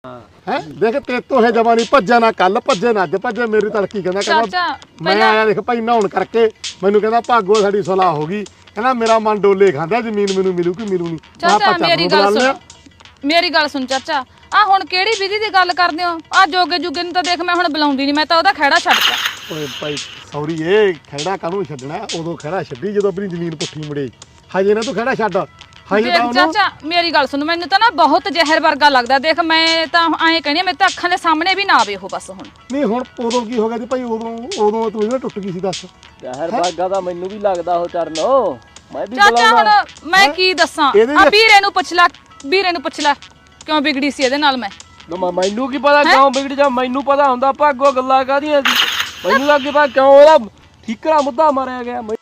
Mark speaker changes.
Speaker 1: ਹੈ ਦੇਖ ਤੇ ਤੋਂ ਇਹ ਜਵਾਨੀ ਭੱਜਿਆ ਨਾ ਕੱਲ ਭੱਜੇ ਨਾ ਅੱਜ ਭੱਜੇ ਮੇਰੀ ਤੜਕੀ ਕਹਿੰਦਾ ਮੈਂ ਆਇਆ ਦੇਖ ਭਾਈ ਨਹਾਉਣ ਕਰਕੇ ਮੈਨੂੰ ਕਹਿੰਦਾ ਭਾਗੋ ਸਾਡੀ ਸੁਲਾਹ ਹੋ ਗਈ ਕਹਿੰਦਾ ਮੇਰਾ ਮਨ ਡੋਲੇ ਖਾਂਦਾ ਜ਼ਮੀਨ ਮੈਨੂੰ ਮਿਲੂ ਕਿ ਮਿਲੂ ਨਹੀਂ
Speaker 2: ਚਾਚਾ ਮੇਰੀ ਗੱਲ ਸੁਣ ਚਾਚਾ ਆ ਹੁਣ ਕਿਹੜੀ ਵਿਧੀ ਦੀ ਗੱਲ ਕਰਦੇ ਹੋ ਆ ਜੋਗੇ ਜੁਗੇ ਨੂੰ ਤਾਂ ਦੇਖ ਮੈਂ ਹੁਣ ਬੁਲਾਉਂਦੀ ਨਹੀਂ ਮੈਂ ਤਾਂ ਉਹਦਾ ਖਹਿੜਾ ਛੱਡਤਾ
Speaker 1: ਓਏ ਭਾਈ ਸੌਰੀ ਇਹ ਖਹਿੜਾ ਕਾਹਨੂੰ ਛੱਡਣਾ ਉਦੋਂ ਖਹਿੜਾ ਛੱਡੀ ਜਦੋਂ ਆਪਣੀ ਜ਼ਮੀਨ ਪੁੱਠੀ ਮੁੜੇ ਹਜੇ ਨਾ ਤੂੰ ਖਹਿੜਾ ਛੱਡ
Speaker 2: ਦੇਖ ਚਾਚਾ ਮੇਰੀ ਗੱਲ ਸੁਣ ਮੈਨੂੰ ਤਾਂ ਨਾ ਬਹੁਤ ਜ਼ਹਿਰ ਵਰਗਾ ਲੱਗਦਾ ਦੇਖ ਮੈਂ ਤਾਂ ਐਂ ਕਹਿੰਦੀ ਮੇਰੇ ਤਾਂ ਅੱਖਾਂ ਦੇ ਸਾਹਮਣੇ ਵੀ ਨਾ ਆਵੇ ਉਹ ਬਸ ਹੁਣ
Speaker 1: ਨਹੀਂ ਹੁਣ ਉਦੋਂ ਕੀ ਹੋ ਗਿਆ ਜੀ ਭਾਈ ਉਦੋਂ ਤੂੰ ਇਹਨਾਂ ਟੁੱਟ ਗਈ ਸੀ ਦੱਸ
Speaker 3: ਜ਼ਹਿਰ ਵਰਗਾ ਤਾਂ ਮੈਨੂੰ ਵੀ ਲੱਗਦਾ ਉਹ ਚਰਨੋ ਮੈਂ ਵੀ
Speaker 2: ਚਾਚਾ ਹੁਣ ਮੈਂ ਕੀ ਦੱਸਾਂ ਆ ਵੀਰੇ ਨੂੰ ਪੁੱਛ ਲੈ ਕਿਉਂ ਵਿਗੜੀ ਸੀ ਇਹਦੇ ਨਾਲ ਮੈਂ
Speaker 3: ਮੈਨੂੰ ਕੀ ਪਤਾ ਕਿਉਂ ਵਿਗੜ ਜਾ ਮੈਨੂੰ ਪਤਾ ਹੁੰਦਾ ਭਾਗੋ ਗੱਲਾਂ ਕਾਹਦੀਆਂ ਸੀ ਮੈਨੂੰ ਲੱਗੇ ਪਾ ਕਿਉਂ ਉਹਦਾ ਠੀਕਰਾ ਮੁੱਦਾ ਮਾਰਿਆ ਗਿਆ